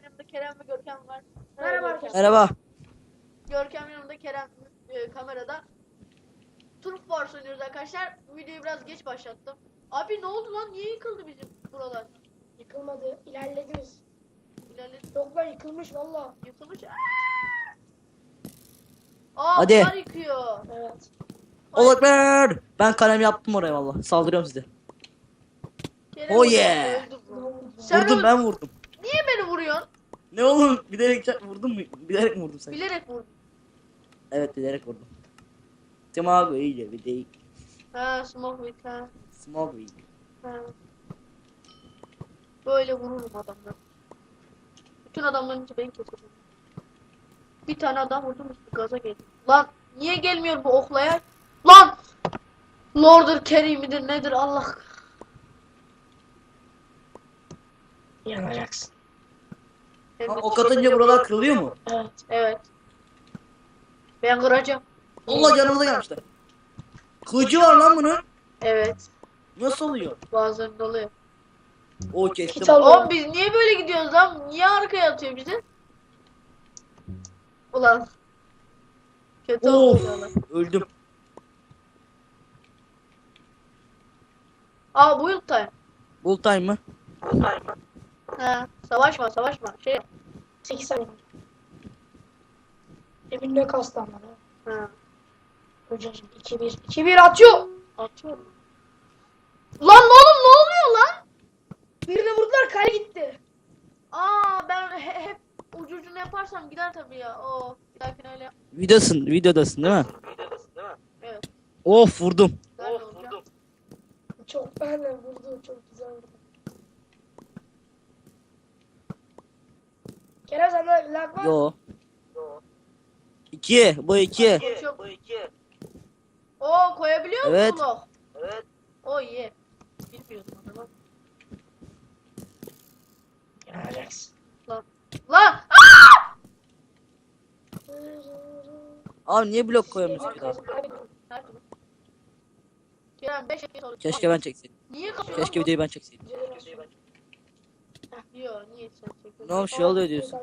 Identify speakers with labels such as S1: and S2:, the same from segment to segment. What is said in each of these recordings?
S1: yanımda Kerem ve Görkem var.
S2: Merhaba arkadaşlar.
S3: Merhaba.
S1: Görkem yanımda, Kerem kamerada. Turf Wars oynuyoruz arkadaşlar. Videoyu biraz geç başlattım. Abi ne oldu lan? Niye yıkıldı bizim buralar?
S2: Yıkılmadı. İlerlediniz.
S1: İlerledik.
S2: Yok lan yıkılmış valla.
S1: Yıkılmış. Aa,
S3: Hadi.
S1: bunlar yıkıyor.
S2: Evet.
S3: Olakber. Ben kalem yaptım oraya valla. Saldırıyorum size.
S1: Kerem
S3: Oh
S1: öldü,
S3: yeah.
S1: öldü
S2: Ne
S1: bu.
S2: oldu?
S1: Sen
S3: Vurdum
S1: öl-
S3: ben vurdum.
S1: Niye beni vuruyorsun?
S3: Ne oğlum bilerek vurdum mu? Bilerek mi vurdum sen?
S1: Bilerek vurdun.
S3: Evet bilerek vurdum. Smoke iyice bir değil.
S1: Ha, smoke with ha.
S3: Smoke iyice.
S1: Ha. Böyle vururum adamları. Bütün adamların içi ben keserim. Bir tane adam vurdum, üstü gaza geldi. Lan niye gelmiyor bu oklaya? Lan! Lord'dur, Kerim'idir, nedir Allah?
S2: Yanacaksın.
S3: Ha, ok atınca buralar kırılıyor mu?
S2: Evet.
S1: Evet. Ben kıracağım.
S3: Allah canımıza gelmişler. Kılıcı var lan bunun.
S1: Evet.
S3: Nasıl oluyor?
S1: Bazen oluyor.
S3: O kestim.
S2: Kit al.
S1: Oğlum biz niye böyle gidiyoruz lan? Niye arkaya atıyor bizi? Ulan. Kötü
S3: Of.
S1: oluyorlar.
S3: Öldüm.
S1: Aa, build time.
S3: Bull time mı?
S1: Ha, savaşma savaşma. Şey.
S2: 8 saniye. Emin ne kastı ama.
S1: Ha.
S2: Hocam 2-1. 2-1 atıyor.
S1: Atıyorum. Lan oğlum ne oluyor lan?
S2: Birine vurdular kale gitti.
S1: Aa, ben hep ucu ucuna yaparsam gider tabii ya. Oo, bir dahakine öyle yap.
S3: Videodasın değil mi?
S1: Evet.
S3: Of vurdum.
S1: Nerede olacak?
S2: Çok benle vurdu. Çok güzel vurdu. Kerem sende lag var.
S3: Yo. 2. Bu 2.
S1: Koşuyor. Oo, koyabiliyor musun
S3: Evet.
S1: blok? Evet. O iyi. Bilmiyordum onu lan.
S2: Yanacaksın.
S1: Lan!
S3: Abi niye blok koyamıyorsun ki daha?
S1: Nerede bu? Kerem 5 kez oldu.
S3: Keşke ben çekseydim.
S1: Niye kapıyor?
S3: Keşke videoyu ben çekseydim.
S1: Yok, niye sen çekiyorsun?
S3: Ne olmuş şey oluyor diyorsun.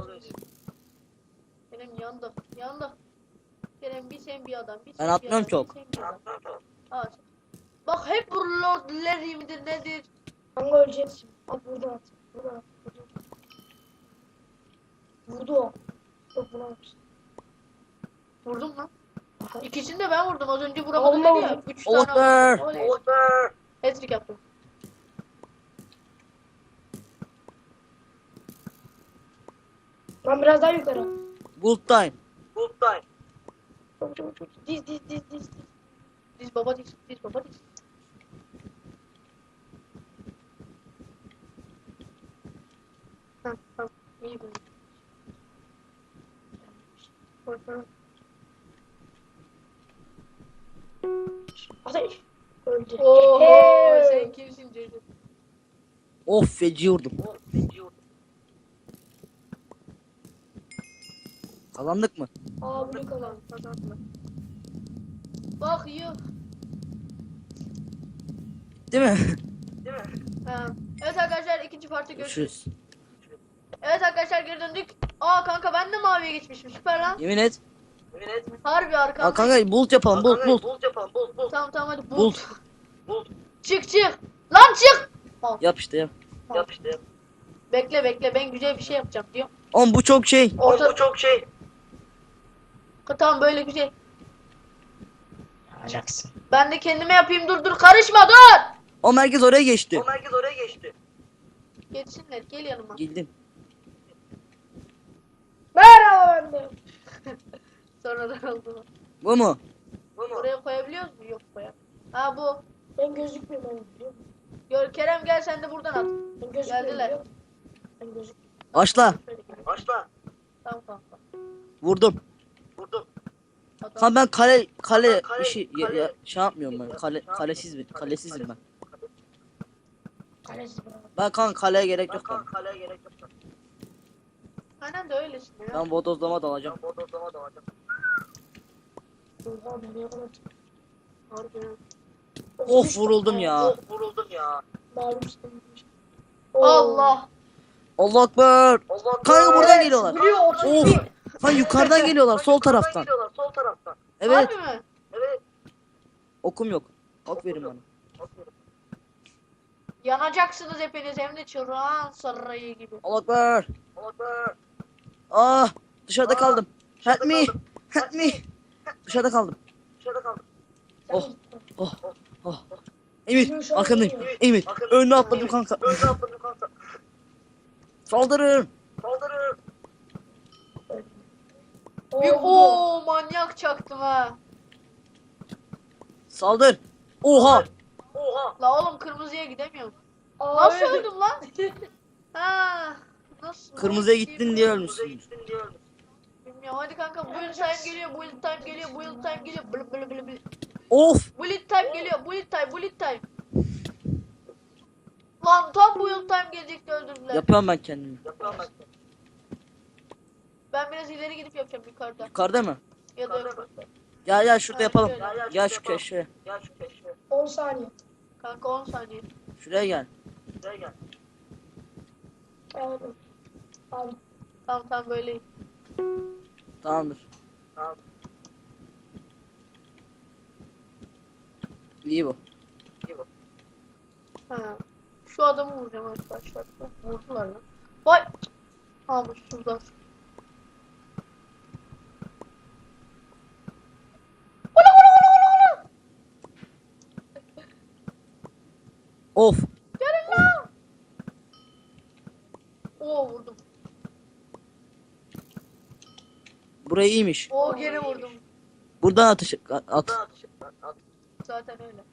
S1: Kerem yandı. Kerem bir sen bir adam. Bir
S3: Ben
S1: sen
S3: atmıyorum
S1: bir adam,
S3: çok.
S1: bir sen bir adam. At. Bak hep bu Lord Larry midir nedir?
S2: Kanka öleceksin. At burada at. Burada at. Burada. Vurdu o. Yok buna atmışsın.
S1: Vurdum lan.
S2: Aha.
S1: İkisini de ben vurdum. Az önce vuramadım
S2: Allah
S1: dedi ya.
S2: vurdu.
S1: 3 tane
S3: Olakber.
S1: vurdum. Oley. Hat-trick yaptım.
S2: Ben biraz daha yukarı.
S3: Bull time.
S2: Çok çok çok. Diz.
S1: Diz baba diz. Diz baba diz. Tamam. İyi böyle. Koy.
S2: Ateş. Öldü.
S1: Oho,
S2: Hey.
S1: sen kimsin çocuk?
S3: Of feci vurdum. Kazandık mı?
S2: Aa bunu kalan.
S1: Kazandılar. Bak yuh.
S3: Değil mi?
S1: Ha. Evet arkadaşlar, ikinci parti görüşürüz.
S3: Görüşürüz.
S1: Evet arkadaşlar, geri döndük. Aa kanka, ben de maviye geçmişim, süper lan.
S3: Yemin et.
S1: Harbi
S3: Aa
S1: arkamda.
S3: kanka bulut yapalım bulut.
S1: Tamam hadi
S3: Bulut.
S1: Çık. Lan çık.
S3: Yap işte yap.
S1: Bekle, ben güzel bir şey yapacağım diyor.
S3: Oğlum bu çok şey.
S1: Orta... Tamam, böyle güzel.
S2: Yanacaksın.
S1: Ben de kendime yapayım, dur karışma dur.
S3: O merkez oraya geçti.
S1: Geçsinler, gel yanıma.
S3: Geldim.
S2: Merhaba ben de.
S1: Sonradan oldu.
S3: Bu mu?
S1: Buraya koyabiliyoruz mu? Yok koyalım. Ha bu.
S2: Ben gözükmüyorum ben biliyor musun?
S1: Gör Kerem, gel sen de buradan at.
S2: Ben gözükmüyorum
S1: Geldiler.
S2: biliyor musun? Ben gözükmüyorum.
S3: Başla.
S1: Tamam kanka.
S3: Vurdum.
S1: Adam.
S3: Kanka ben kale işi şey yapmıyorum ben. Kalesizim ben.
S2: Kalesi bana.
S3: Ben kanka kaleye gerek yok kanka.
S1: Aynen de öylesin ya.
S3: Ben bodozlama dalacağım.
S2: Oha nereye kadar çıktı?
S1: Harbi ya.
S3: Of vuruldum ya.
S2: Malum sıkıntı.
S1: Allah.
S3: Allah Ekber. Kanka buradan geliyorlar.
S2: Vuruyor 32.
S3: Of. Lan yukarıdan geliyorlar sol taraftan. Evet.
S1: Harbi mi?
S3: Okum yok. Ok verin bana.
S1: Yanacaksınız hepiniz hem de Çırağan Sarayı gibi.
S3: Allah Ekber. Ah dışarıda kaldım. Help me. Help me. Dışarıda kaldım. Oh. Oh. Oh. Emir arkandayım. Emir önüne atladım kanka. Saldırın.
S1: Bir ooo manyak çaktım ha.
S3: Saldır. Oha.
S1: La oğlum kırmızıya gidemiyorum.
S2: Aa,
S1: Nasıl
S2: öldü.
S1: öldüm lan? Ha. Nasıl?
S3: Kırmızıya gittin diye ölmüşsün.
S1: Bilmiyorum hadi kanka build time geliyor, build time geliyor, build time geliyor. Blı blı blı blı.
S3: Of.
S1: Build time geliyor, build time, build time. Lan tam build time gelecekti öldürdüler.
S3: Yapıyorum ben kendimi.
S1: Ben biraz ileri gidip yapacağım yukarıda.
S3: Yukarıda mı?
S1: Ya da yok.
S3: Gel şurada
S1: Ha,
S3: yapalım.
S1: şöyle.
S3: Gel şu köşeye.
S2: 10 saniye.
S1: Kanka 10 saniye.
S3: Şuraya gel.
S2: Aldım. Aldım.
S1: Tamam böyle.
S3: Tamamdır. İyi bu.
S1: Ha. Şu adamı vuracağım arkadaşlar. Vurdular lan. Vay. Almış şuradan.
S3: Of.
S1: Gelin lan. Oo vurdum.
S3: Burayı iyiymiş.
S1: Oo geri vurdum.
S3: Buradan atış at.
S1: Zaten öyle.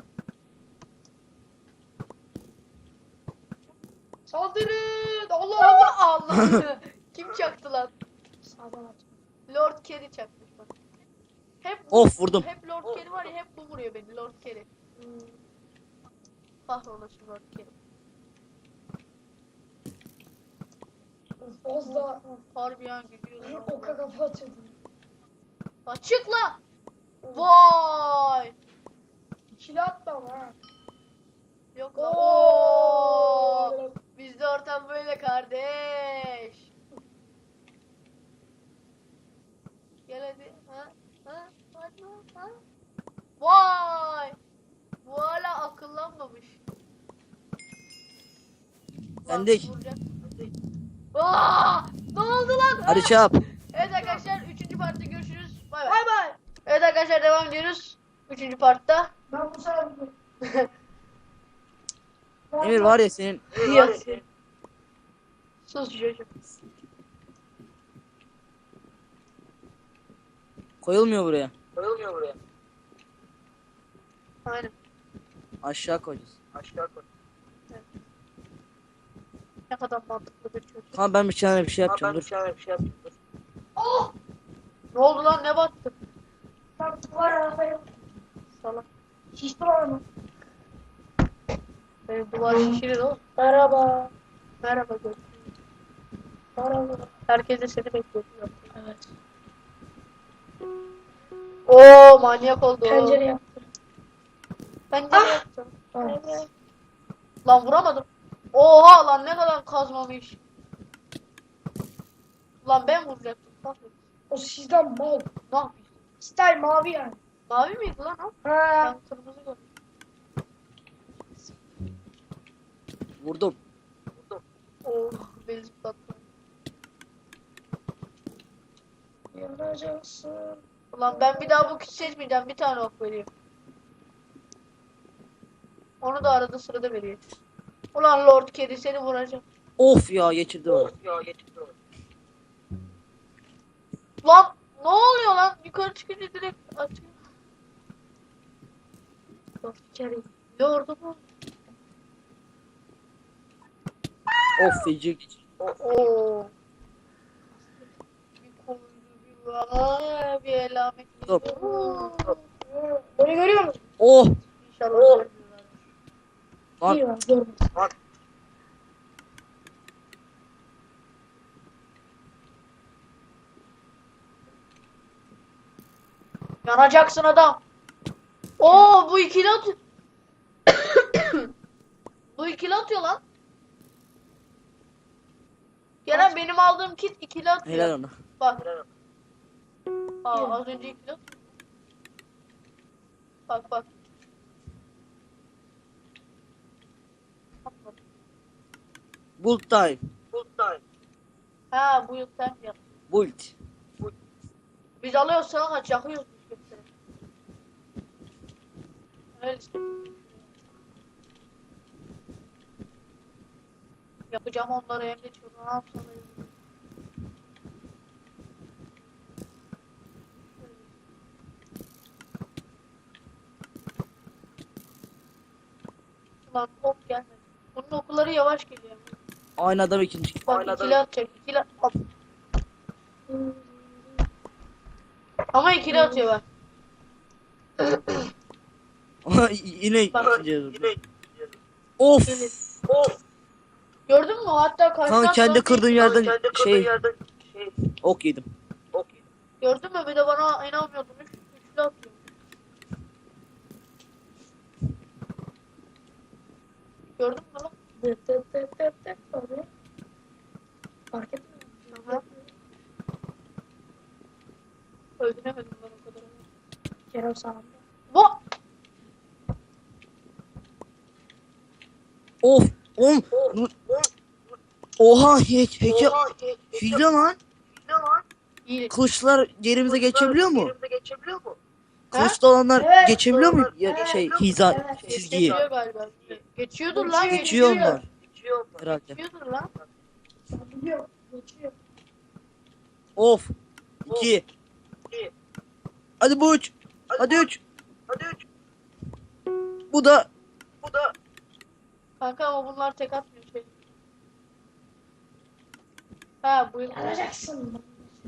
S2: Saldırın.
S1: Allah. Kim çaktı lan?
S2: Sağdan at.
S1: Lord Kerry çakmış bana. Hep
S3: Of vurdum.
S1: Hep Lord Kerry var ya hep bu vuruyor beni Lord Kerry. Kahrolasın Lord Kerry.
S2: Fazla
S1: Harbiden gidiyor.
S2: oka kafa atıyordum.
S1: Açıkla. Vay.
S2: İkili attı ama ha.
S1: Yok lan. Oo. Bizde ortam böyle kardeş. Gel hadi. Hadi. Ha. Vay. Bu hala akıllanmamış. Lan
S3: Bendik.
S1: vuracak. Aa! Ne oldu lan?
S3: Hadi çap.
S1: Evet arkadaşlar 3. partta görüşürüz. Bay bay. Evet arkadaşlar devam ediyoruz. 3. partta.
S2: Ben bu sefer
S3: Emir var ya senin.
S1: Sus çocuğum.
S3: Koyulmuyor buraya.
S1: Aynen.
S3: Aşağı koyacağız.
S1: Ne kadar mantıklı bir çocuk.
S3: Tamam ben bir şey yapacağım dur.
S1: Oh! Ne oldu lan ne battı?
S2: ben duvar arabaya
S1: Salak.
S2: şişti var mı?
S1: Benim duvar şişirir oğlum.
S2: Merhaba.
S1: Merhaba görüşürüz.
S2: Merhaba.
S1: Herkes de seni bekliyor. Evet. Oo manyak oldu.
S2: Pencere yaptım.
S1: Pencere yaptım.
S2: Evet.
S1: Lan vuramadım. Oha lan ne kadar kazmamış. Lan ben vuracaktım. Bak.
S2: O sizden mal.
S1: Ne yapıyorsun?
S2: Style mavi yani.
S1: Mavi miydi lan o?
S2: Ha.
S1: Ben kırmızı gördüm.
S3: Vurdum.
S1: Oh beni zıplattı.
S2: Yanacaksın.
S1: Ulan ben bir daha bu kişi seçmeyeceğim. Bir tane ok veriyor. Onu da arada sırada veriyor. Ulan Lord Kedi seni vuracağım.
S3: Of ya geçirdi bana.
S1: Lan ne oluyor lan? Yukarı çıkınca direkt atıyor. Lord Kedi. Lord'u mu?
S3: Of feci.
S1: Oo. Bir koydu bir var. Bir elamet.
S3: Dur.
S2: Bunu görüyor musun?
S3: Oh.
S1: İnşallah söylüyorlar.
S3: Lan
S2: İyi var. Görmedim.
S1: Yanacaksın adam. Oo bu ikili atıyor. Bu ikili atıyor lan. Kerem benim aldığım kit ikili atıyor.
S3: Helal ona.
S1: Bak. Az önce ikili atıyor. Bak.
S3: Build time.
S1: Ha bu yıl sen yap.
S3: Build.
S1: Biz alıyoruz sana kaç yakıyoruz biz götürelim. Öyle işte. Yapacağım onları hem de çok rahat sonra. Lan hop gelmedi. Bunun okulları yavaş geliyor.
S3: Aynı adam ikinci.
S1: Bak ikili atacak. İkili hop. Ama ikili atıyor bak.
S3: Yine
S1: Bak.
S3: ikinci oldu. Of.
S1: Gördün mü? Hatta karşıdan
S3: Kanka kendi
S1: sonra-
S3: kırdığın yerden şey ok yedim.
S1: Gördün mü? Bir de bana inanmıyordun. Üçlü atıyor. Gördün mü lan?
S2: Abi. Fark etmiyor.
S1: Aha. Öldüremedim ben o kadar.
S2: Kerem sağında.
S1: Bu.
S3: Of. Oha hile lan.
S1: İyi.
S3: Kılıçlar yerimize geçebiliyor mu?
S1: Ha?
S3: Kılıçlı olanlar
S2: Evet.
S3: geçebiliyor mu? Ya, şey hiza
S2: Evet.
S3: çizgiyi.
S1: Geçiyor galiba. Geçiyordur lan.
S3: Geçiyor onlar. Herhalde.
S1: Geçiyordur lan.
S2: Biliyor. Geçiyor.
S3: Of. 2. Hadi bu 3. Hadi 3. Bu da
S1: Kanka ama bunlar tek atmıyor şey. Ha bu.
S2: Yaracaksın.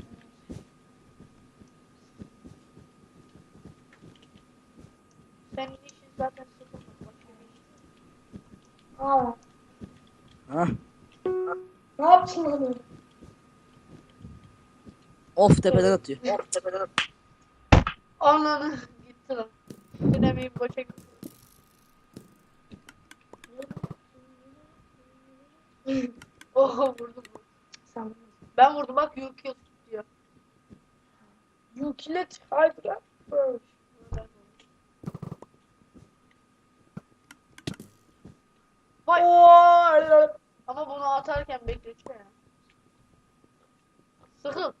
S1: Sen işin zaten sıkılmadın. Bak şimdi.
S2: Aa.
S3: ha.
S2: Ne yaptın lan öyle?
S3: Of tepeden atıyor.
S1: Ananı gitti lan. Denemeyin boşa gitti. Oha vurdum.
S2: Sen
S1: Ben vurdum bak yürküyor tutuyor.
S2: You kill it. Hide ya.
S1: Vay.
S2: Oo.
S1: Ama bunu atarken bekletiyor ya. Sıkıl.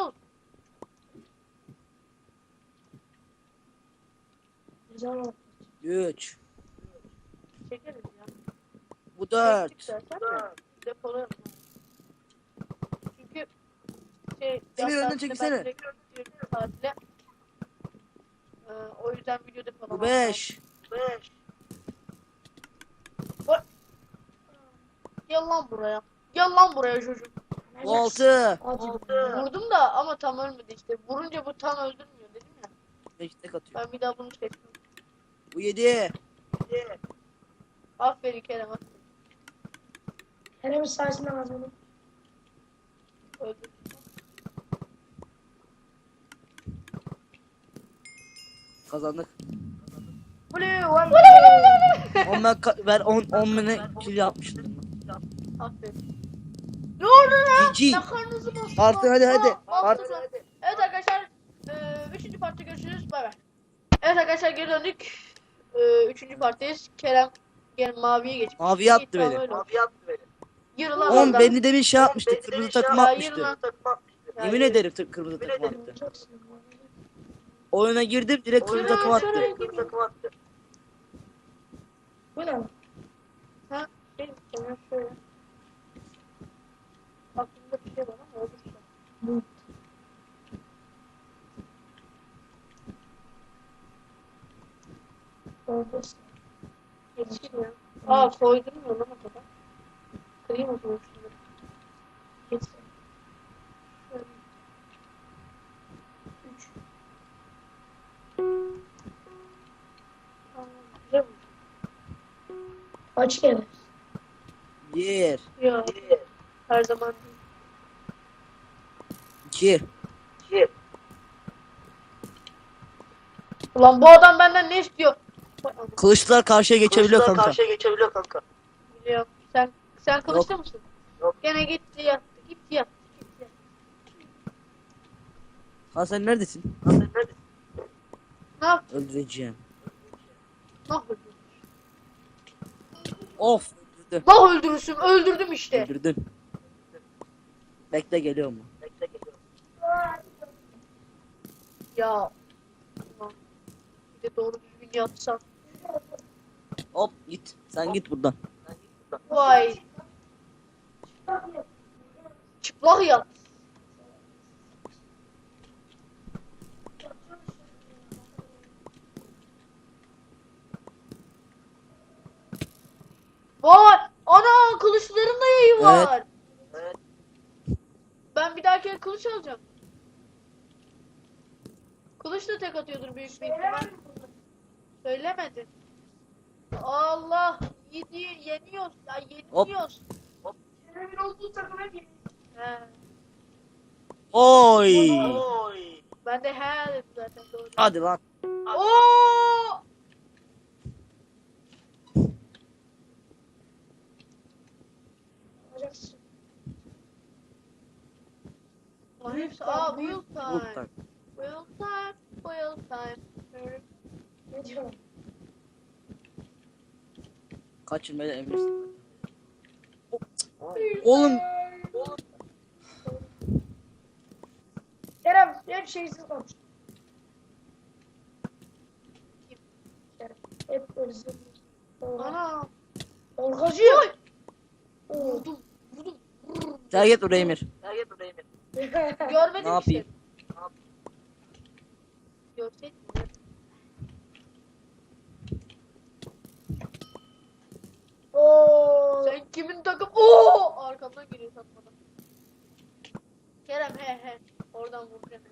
S2: Güzel oldu.
S3: 3.
S1: Çekeriz ya.
S3: Bu 4.
S1: Çektik zaten de depolayalım. Çünkü şey
S3: Emir,
S1: yaz
S3: önden
S1: tatilinde
S3: çekilsene.
S1: ben direkt gidiyorum tatile. O yüzden video depolamam
S3: Bu 5.
S1: Gel lan buraya çocuk.
S3: Bu 6.
S2: Acı.
S1: Vurdum da ama tam ölmedi işte. Vurunca bu tam öldürmüyor dedim ya.
S3: 5 tek atıyor.
S1: Ben bir daha bunu çektim.
S3: Bu 7.
S1: Aferin Kerem.
S2: Kerem'in sayesinde kazandım.
S1: Öldürdüm.
S3: Kazandık.
S1: Blue.
S3: 10 ben 10 bine kill yapmıştım.
S1: Aferin. Ne oldu lan?
S3: GG.
S1: Yakarınızı bastım.
S3: Artı hadi.
S1: Bastım
S3: Artı.
S1: lan. Evet arkadaşlar. 3. partta görüşürüz. Bay bay. Evet arkadaşlar geri döndük. 3. parttayız. Kerem maviye geçmiş.
S3: Maviye attı
S1: Tamam,
S3: beni.
S1: öyle oldu. Yürü lan
S3: 10
S1: oradan.
S3: beni demin şey yapmıştı. Kırmızı takım
S1: Ya, yürü
S3: atmıştı.
S1: lan. Ya,
S3: Yemin
S1: yürü.
S3: ederim kırmızı takım attı.
S2: Olacaksın.
S3: Oyuna girdim direkt kırmızı takım attı.
S2: Bu ne lan?
S1: Ha? Şey, sana şöyle. Aklımda bir şey var ama oldu şu an.
S2: Bu. Oldu.
S1: Geçeyim ya. Aa koydurmuyor lan o kadar. Kırayım o zaman şunları.
S2: Geçsin.
S1: Şöyle. 3. Tamam. Güzel mi?
S2: Kaç kere?
S3: 1.
S1: Ya. Her zaman değil.
S3: 2.
S1: Ulan bu adam benden ne istiyor? Vay aman,
S3: Kılıçlar karşıya geçebiliyor kanka.
S1: biliyorum. Sen kılıçta mısın?
S3: Yok.
S1: Gene gitti yattı.
S3: Ha sen neredesin?
S1: Ne yap?
S3: Öldüreceğim.
S1: Ne yapıyorsun?
S3: Of öldürdü.
S1: Bah öldürürsün. Öldürdüm işte.
S3: Öldürdün. Bekle geliyor mu?
S1: Ya. Ulan, bir de doğru düzgün yapsam.
S3: Hop git. Sen git buradan.
S1: Vay. Çıplak yat. Vay. Ana kılıçların da yayı var. Ben bir dahaki kılıç alacağım. Kılıç da tek atıyordur büyük bir ihtimal. Söylemedi. Allah. Yeniyoruz. Ya yeniliyoruz.
S2: Kerem'in olduğu takıma gir.
S1: He.
S3: Oy.
S1: Ben de he dedim zaten doğru.
S3: Hadi lan.
S1: Oo!
S2: Yapacaksın.
S1: Lan hepsi aa wheel
S3: Buradan.
S1: time. Wheel time. Wheel time.
S2: Ne diyorum?
S3: Kaçırmaya emir. Oğlum.
S2: Kerem hep şeysiz kalmış. Kerem hep böyle zırhlı.
S1: Ana.
S2: Orgacı.
S1: Oy!
S2: Oo.
S1: Vurdum. Vurdum.
S3: Terk et oraya Emir.
S1: Görmedim
S3: Ne yapayım?
S1: işte. Görseydin. ya.
S2: Oo.
S1: Sen kimin takım? Oo! Arkamdan geliyor satmadan. Kerem he. Oradan vur Kerem.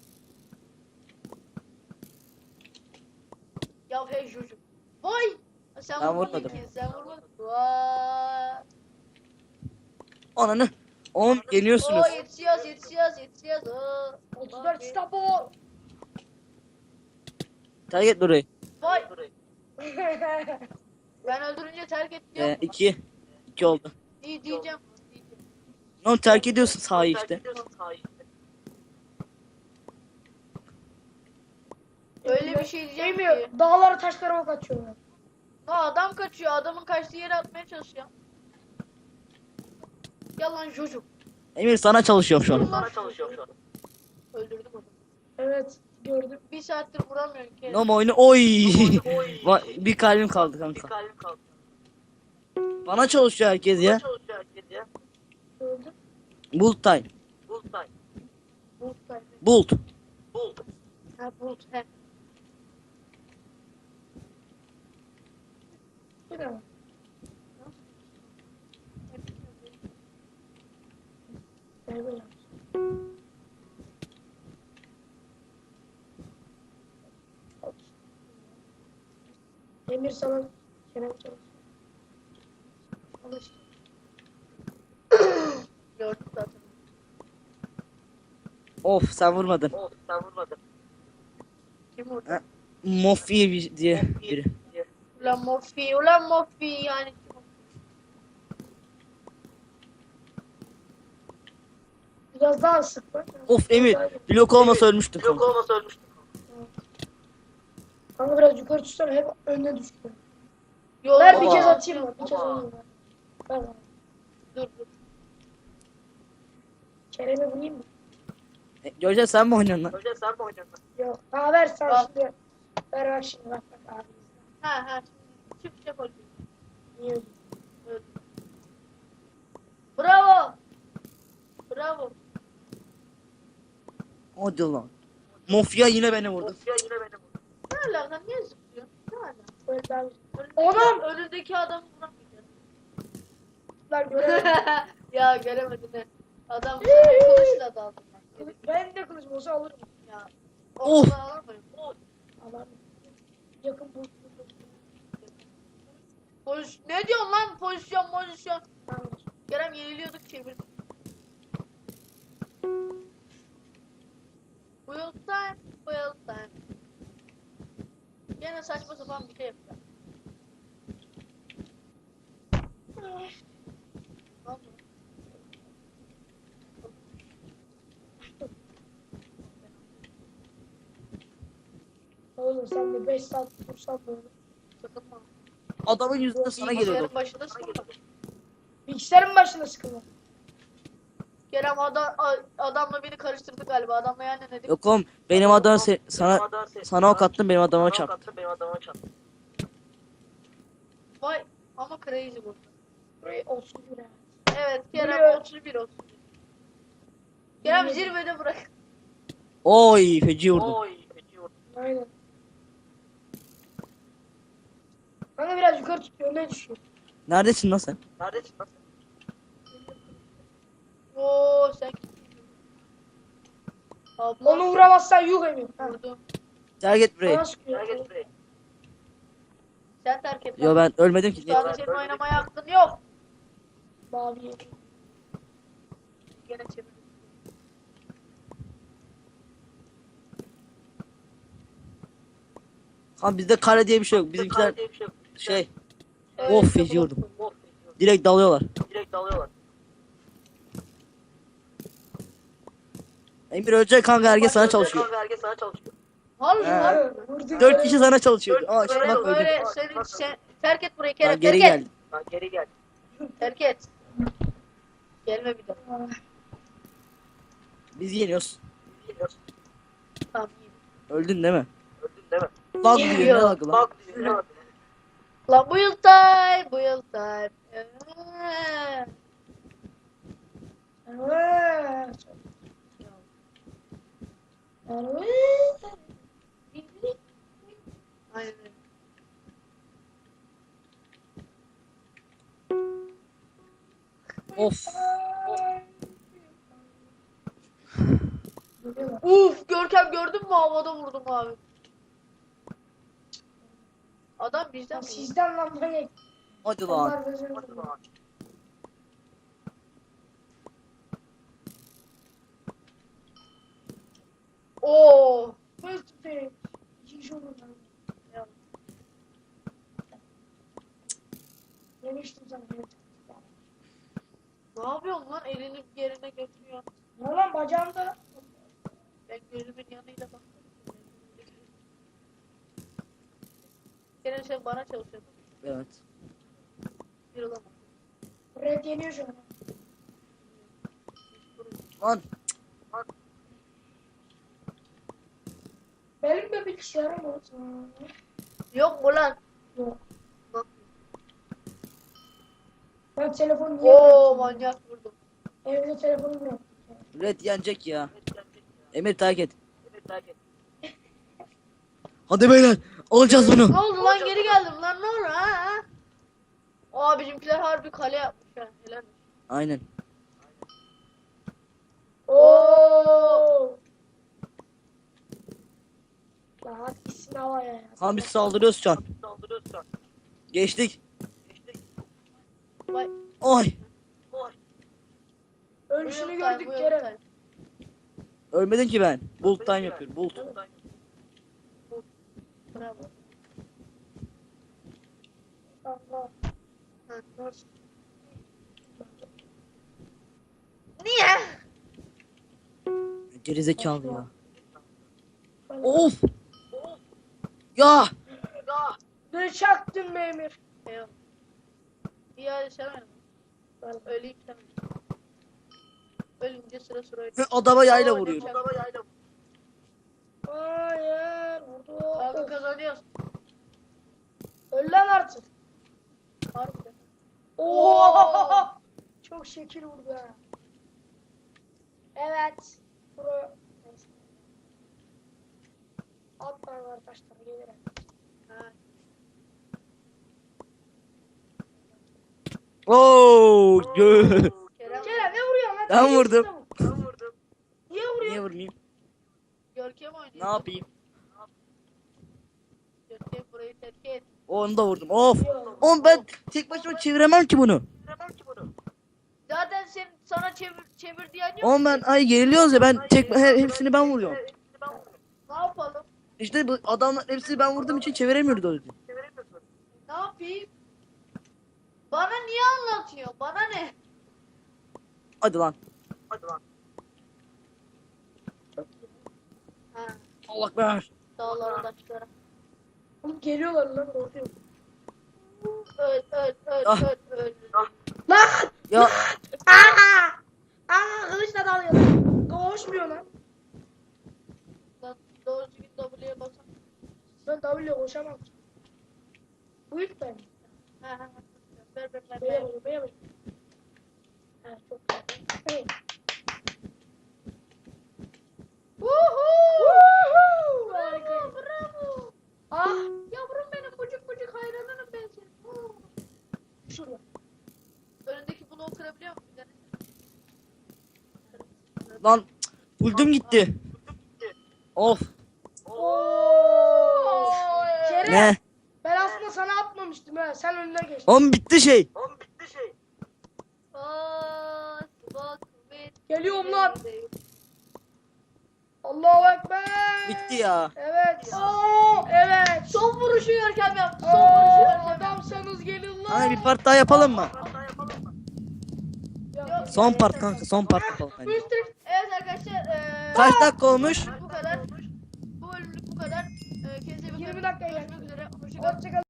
S1: Ya hey çocuk. Vay! Sen
S3: Ben
S1: vurmadın
S3: vurmadım.
S1: ki. Sen vurmadın. Vay!
S3: Ananı. Oğlum yeniyorsunuz.
S1: Oo yetişiyoruz. Oo.
S2: 34 İstanbul.
S3: Terk et orayı.
S1: Vay! Ben öldürünce terk et diyor mu?
S3: 2. 2 oldu.
S1: İyi diyeceğim.
S3: Oğlum terk ediyorsun sahayı işte.
S1: Öyle bir şey diyeceğim ki.
S2: Değmiyor. Dağlara taşlara ok atıyorlar.
S1: Ha adam kaçıyor. Adamın kaçtığı yere atmaya çalışıyor. Yalan çocuk.
S3: Emir sana çalışıyorum şu an.
S1: Öldürdüm adamı.
S2: Evet gördüm.
S1: Bir saattir vuramıyorum ki.
S3: Nom oyunu oy. Bir kalbim kaldı kanka. Bana çalışıyor herkes ya.
S2: Gördüm.
S3: Bulut time.
S1: Bulut kaybı.
S3: Bulut.
S1: Ha bulut he.
S2: Bir de böyle. Emir sana Kerem çalışıyor. Alıştı.
S1: Gördüm zaten.
S3: Of sen vurmadın.
S1: Kim vurdu?
S3: Ha. Mofi diye biri.
S1: Ulan Morfi yani.
S2: Biraz daha sık bak.
S3: Of Emir. Blok olmasa ölmüştüm kanka.
S2: Kanka biraz yukarı tutsana hep önüne düştü.
S1: Yo,
S2: Ver bir
S3: Baba.
S2: kez atayım mı? Bir kez atayım mı? Ver bana.
S1: Dur.
S2: Kerem'e vurayım mı?
S3: Göreceğiz sen mi oynuyorsun lan?
S2: Yok. Ha ver sen
S1: Al.
S2: şimdi. Ver bak şimdi bak abi.
S1: Ha. Çık yapalım.
S2: Niye öldün?
S1: Öldü. Bravo.
S3: Hadi lan. Mafya yine beni vurdu.
S1: Ne alaka? Niye zıplıyorsun? Ne alaka?
S2: Böyle daha
S1: Oğlum! Önündeki adamı vuramayacağız.
S2: güzel göremedim.
S1: Ya göremedin he. Adam sana kılıçla daldı.
S2: Ben de kılıcım olsa alırım.
S1: Ya.
S3: Of.
S1: Ortadan alamayım.
S2: Alamam. Yakın bu.
S1: Ne diyorsun lan? Pozisyon.
S2: Tamam.
S1: Kerem yeniliyorduk çevirdik. Wheel time. Gene saçma sapan bir şey yapacağım.
S2: olur sen de 5 saat dursan böyle.
S1: Sıkılma.
S3: Adamın yüzünden sana geliyordu.
S1: Bilgisayarın başında sıkılma.
S2: Bilgisayarın başına sıkılma.
S1: Kerem adamla beni karıştırdı galiba. Adamla yani ne dedik?
S3: Yok oğlum benim adam sana ok attım benim adama çarptı.
S1: Vay ama crazy bu.
S2: Burayı olsun güne.
S1: Evet Kerem
S2: Buraya-
S1: 31 olsun. Kerem zirvede bırak.
S3: Oy feci vurdum.
S2: Aynen. Kanka biraz yukarı tutuyor ne düşüyor?
S3: Neredesin lan sen?
S1: Oo sen Abla
S2: Onu vuramazsan yuh Emir. Ha.
S1: vurdum.
S3: Terk et burayı.
S2: Bana sıkıyor.
S1: Sen terk et.
S3: Yo ben ölmedim ki.
S1: Şu anda senin oynamaya hakkın yok.
S2: Mavi yeri.
S1: Gene çevir.
S3: Kan bizde kare diye bir şey yok. Bizimkiler şey
S1: Evet,
S3: of
S1: işte
S3: feci
S1: bu.
S3: vurdum. Direkt dalıyorlar. Emir ölecek kanka herkes sana çalışıyor.
S1: Harbi
S3: He.
S1: lan.
S2: Vurdu.
S3: 4 kişi sana çalışıyor. Aa işte
S1: Böyle
S3: bak öldüm.
S1: böyle sen terk et burayı Kerem
S3: Ben geri
S1: terk et.
S3: geldim.
S1: Terk et. Gelme bir daha.
S3: Biz yeniyoruz.
S1: Tamam iyi.
S3: Öldün değil mi? Lag diyor ne lagı lan?
S1: Lan bu yıl time, bu yıl time.
S2: Evet.
S1: Aynen öyle.
S3: Of.
S1: Uf Görkem gördün mü havada vurdum abi. Adam bizden mi?
S2: Sizden lan manyak.
S3: Hadi lan.
S2: Onlar gözünü vurdu.
S1: Oo.
S2: First pick. İkinci olur lan.
S1: Ya,
S2: Demiştim sana.
S1: ne yapıyorsun lan? Elini yerine götürüyor.
S2: Ne lan bacağımda?
S1: Ben gözümün yanıyla baktım. Kerem sen bana çalışıyordun.
S3: Evet.
S1: Bir olamaz.
S2: Red yeniyor şu an.
S3: Lan
S2: Benim de bilgisayarım olsun.
S1: Yok mu lan?
S2: Yok.
S1: Bak.
S2: Ben telefonu niye
S1: Oo
S2: bıraktım?
S1: manyak vurdum.
S2: Evde telefonu bıraktım.
S3: Red yenecek ya. Emir terk et. Hadi beyler alacağız
S1: Ne
S3: bunu.
S1: oldu lan geri geldim lan ne oldu ha? Aa bizimkiler harbi kale yapmış ha. Helal.
S3: Aynen.
S2: Oo. Lan hadi gitsin havaya ya.
S3: Kan biz saldırıyoruz şu an. Geçtik.
S1: Vay.
S3: Oy.
S2: Ölüşünü
S1: Bu yıl time,
S2: gördük
S1: bu yıl
S2: Kerem.
S1: time.
S3: Ölmedin ki ben. Bulut time yapıyorum. Bulut.
S1: Bravo.
S2: Allah.
S1: Ha, nasıl? Niye?
S3: Gerizekalı ya. Of. Ya.
S2: Ne çaktın be Emir?
S1: Eyvallah. İyi hadi sen oyna. Ben öleyim sen oyna. Ölünce sıra sıra oyna.
S3: Adama yayla vuruyorum.
S2: Hayır. Vurdu.
S1: Kanka kazanıyoruz.
S2: Öl lan artık.
S1: Harbiden.
S2: Oo. Çok şekil vurdu ha. Evet. Pro. Neyse. Alttan var taşlar gelir.
S1: Ha.
S3: Oo.
S1: Kerem.
S2: Kerem ne vuruyorsun lan?
S3: Ben vurdum.
S2: Niye vuruyorsun?
S3: Niye vurmayayım?
S1: Görkem oynuyor.
S3: Ne yapayım?
S1: Görkem burayı terk et.
S3: Onu da vurdum. Of. Oğlum ben tek başıma çeviremem ki bunu.
S1: Zaten sana çevir diyen yok.
S3: Oğlum ben ay yeniliyoruz ya ben hepsini ben vuruyorum.
S1: Ne yapalım?
S3: İşte bu adamlar hepsini ben vurduğum için çeviremiyoruz o yüzden.
S1: Ne yapayım? Bana niye anlatıyor? Bana ne?
S3: Hadi lan.
S1: Ha,
S3: Allah ver.
S1: dağlara taşlara.
S2: Oğlum geliyorlar lan korkuyorum.
S1: Öl
S3: Ah.
S1: öl.
S2: Lan!
S3: Ya
S2: Kılıçla dalıyor. Koşmuyor lan.
S1: Lan doğru düzgün W'ye basan.
S2: Ben W'yle koşamam. Bu ilk ben.
S1: Ha. Ver.
S2: Beye bakıyor, beye bakıyor. Ha, çok güzel. Hey.
S1: Woohoo!
S2: Harika.
S1: Bravo.
S2: Ah!
S1: Yavrum benim bucuk hayranınım ben senin.
S2: Şurada.
S1: Önündeki bloğu kırabiliyor musun? Bir tane.
S3: lan buldum gitti. Of.
S2: Oo! Kerem!
S3: Ne?
S2: Ben aslında sana atmamıştım ha. Sen önüne geçtin.
S3: Oğlum bitti şey.
S2: Geliyorum lan. Allahu Ekber.
S3: Bitti ya.
S2: Evet. Evet.
S1: Son vuruşu Görkem yaptı. Son vuruşu Görkem yaptı.
S2: Adamsanız gelin lan.
S3: Hani bir part daha yapalım mı?
S2: Yok.
S3: Son part kanka, son part yapalım bence.
S1: Evet arkadaşlar.
S3: Kaç dakika olmuş?
S1: Bu kadar. Bu bölümlük bu kadar. Kendinize iyi bakın.
S2: 20 dakika
S1: Görüşmek üzere. Hoşçakalın.
S2: Hoşçakalın.